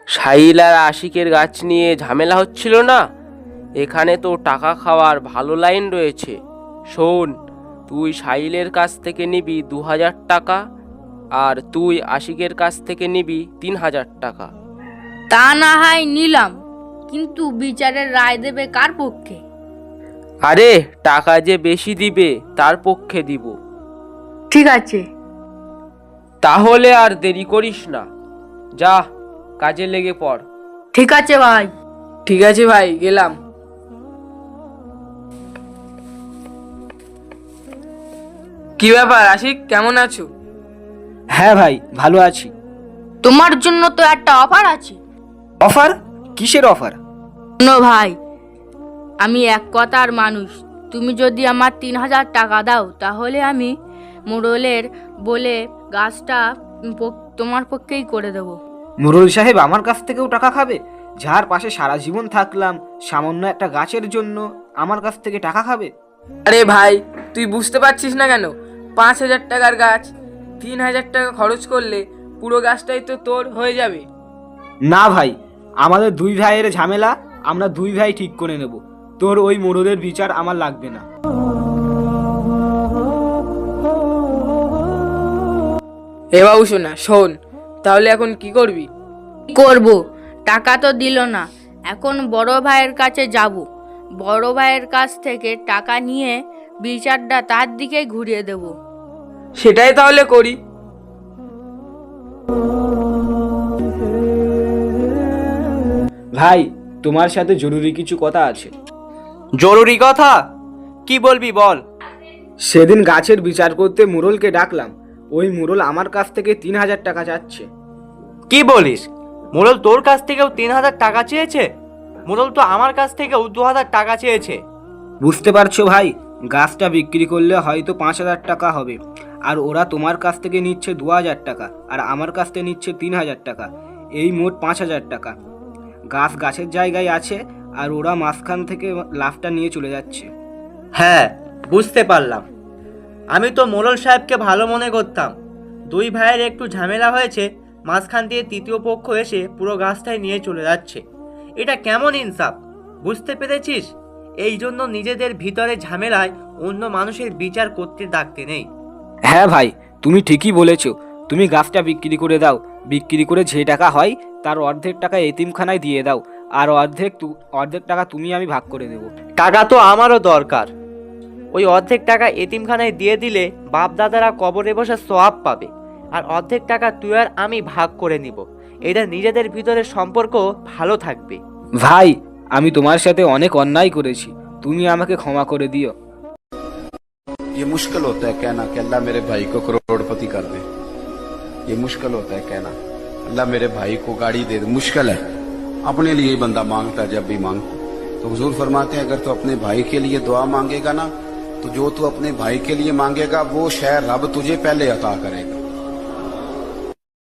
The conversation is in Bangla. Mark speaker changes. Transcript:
Speaker 1: সাহিল আর আশিকের গাছ নিয়ে ঝামেলা হচ্ছিল না? এখানে তো টাকা খাওয়ার ভালো লাইন রয়েছে। শোন, তুই সাহিলের কাছ থেকে নিবি 2000 টাকা, আর তুই আশিকের কাছ থেকে নিবি 3000 টাকা।
Speaker 2: তা না হয় নিলাম, কিন্তু বিচারের রায় দেবে কার পক্ষে?
Speaker 1: আরে টাকা যে বেশি দিবে তার পক্ষে দিব।
Speaker 2: ঠিক আছে।
Speaker 1: তাহলে আর দেরি করিস না, যা কাজে লেগে পড়।
Speaker 2: ঠিক আছে ভাই।
Speaker 3: ঠিক আছে ভাই, গেলাম। কি ব্যাপার আশিক, কেমন আছো?
Speaker 4: হ্যাঁ ভাই, ভালো আছি।
Speaker 2: তোমার জন্য তো একটা অফার আছে।
Speaker 4: অফার? কিসের অফার?
Speaker 2: শোনো ভাই, আমি এক কথার মানুষ। তুমি যদি আমার 3000 টাকা দাও, তাহলে আমি মোড়লের বলে গাছটা তোমার পক্ষেই করে দেব।
Speaker 4: মুরল সাহেব আমার কাছ থেকেও টাকা খাবে? যার পাশে সারা জীবন থাকলাম, সামান্য একটা গাছের জন্য আমার কাছ থেকে টাকা খাবে?
Speaker 3: আরে ভাই, তুই বুঝতে পারছিস না কেন? 5000 টাকার গাছ 3000 টাকা খরচ করলে পুরো গাছটাই তো তোর হয়ে যাবে।
Speaker 4: না ভাই, আমাদের দুই ভাইয়ের ঝামেলা আমরা দুই ভাই ঠিক করে নেব। তোর ওই মোড়লের বিচার আমার লাগবে না।
Speaker 3: এ বাবু শোনা, শোন, তাহলে এখন কি করবি?
Speaker 2: করব, টাকা তো দিল না। এখন বড় ভাইয়ের কাছে যাব। বড় ভাইয়ের কাছ থেকে টাকা নিয়ে বিচারটা তার দিকে ঘুরিয়ে দেব।
Speaker 3: সেটাই তাহলে করি।
Speaker 4: ভাই, তোমার সাথে জরুরি কিছু কথা আছে।
Speaker 5: জরুরি কথা? কি বলবি বল।
Speaker 4: সেদিন গাছের বিচার করতে মুরলকে ডাকলাম। ওই মুরল আমার কাছ থেকে 3000 টাকা চাচ্ছে।
Speaker 5: কি বলিস? মোড়ল তোর কাছ থেকেও 3000 টাকা চেয়েছে? মোড়ল তো আমার কাছ থেকেও 2000 টাকা চেয়েছে।
Speaker 4: বুঝতে পারছো ভাই, গাছটা বিক্রি করলে হয়তো 5000 টাকা হবে, আর ওরা তোমার কাছ থেকে নিচ্ছে 2000 টাকা, আর আমার কাছ থেকে নিচ্ছে 3000 টাকা। এই মোট 5000 টাকা। গাছ গাছের জায়গায় আছে, আর ওরা মাঝখান থেকে লাভটা নিয়ে চলে যাচ্ছে।
Speaker 5: হ্যাঁ, বুঝতে পারলাম। আমি তো মোড়ল সাহেবকে ভালো মনে করতাম। দুই ভাইয়ের একটু ঝামেলা হয়েছে, মাঝখান দিয়ে তৃতীয় পক্ষ এসে পুরো গাছটাই নিয়ে চলে যাচ্ছে। এটা কেমন ইনসাফ? বুঝতে পেরেছিস? এই জন্য নিজেদের ভিতরে ঝামেলায় অন্য মানুষের বিচার করতে ডাকতে নেই।
Speaker 4: হ্যাঁ ভাই, তুমি ঠিকই বলেছো। তুমি গাছটা বিক্রি করে দাও। বিক্রি করে যে টাকা হয় তার অর্ধেক টাকা এতিমখানায় দিয়ে দাও, আর অর্ধেক টাকা তুমি আমি ভাগ করে দেবো।
Speaker 5: টাকা তো আমারও দরকার। ওই অর্ধেক টাকা এতিমখানায় দিয়ে দিলে বাপ দাদারা কবরে বসে সওয়াব পাবে, আর অর্ধেক টাকা তুই আর আমি ভাগ করে নিব। এটা নিজেদের ভিতরে সম্পর্ক ভালো থাকবে।
Speaker 4: ভাই, আমি তোমার সাথে অনেক অন্যায় করেছি, তুমি আমাকে ক্ষমা করে দিও।
Speaker 6: ये मुश्किल होता है कहना कि अल्लाह मेरे भाई को करोड़पति कर दे। ये मुश्किल होता है कहना अल्लाह मेरे भाई को गाड़ी दे दे। मुश्किल है, अपने लिए ही बंदा मांगता है जब भी मांगता। तो हुजूर फरमाते हैं अगर तू अपने भाई के लिए दुआ मांगेगा ना, तो जो तू अपने भाई के लिए मांगेगा वो शय रब तुझे पहले अता करेगा।